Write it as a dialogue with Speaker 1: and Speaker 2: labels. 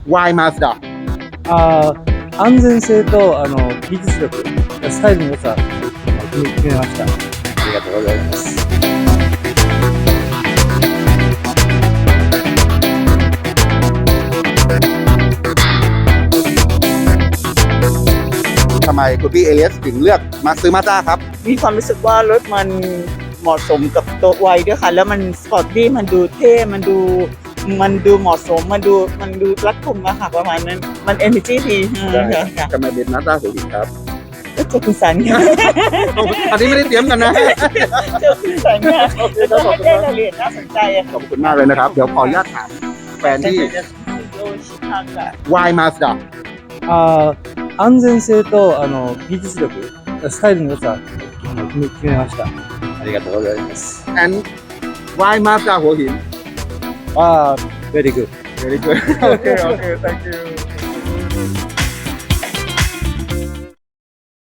Speaker 1: Why Mazda?
Speaker 2: 安全性と技術力、スタイルの良さ、決めました。
Speaker 1: ありがとうございます。ทำไมคุณพี่เอเลียสถึงเลือกมาซื้อมาสด้าครับ
Speaker 3: มีความรู้สึกว่ารถมันเหมาะสมกับตัววัยด้วยค่ะ แล้วมันสปอร์ตดี้มันดูเท่มันดูเหมาะสมมันดูรัดกุมอะค่ะประมาณนั้นมันเอเนอร์จีดีค่ะ
Speaker 1: ทำไมเป็นมาสด้าหัวหินครับ
Speaker 3: ก็เจอคุณสันค่ะ
Speaker 1: อันนี้ไม่ได้เตรียมกันนะ
Speaker 3: เจอคุณสันค่ะแล้วก็ไม่ได้รายละเอียดน่าสนใจอะ
Speaker 1: ขอบคุณมากเลยนะครับ เดี๋ยวขออนุญาตถามแฟนที่
Speaker 3: โยชิคังค่ะ
Speaker 1: Why Mazda?
Speaker 2: 安全性と技術力、スタイルの良さ、決めました。
Speaker 1: ありがとうございます。And why Mazda หัวหิน
Speaker 2: Very good.
Speaker 1: Very good. Okay, thank you.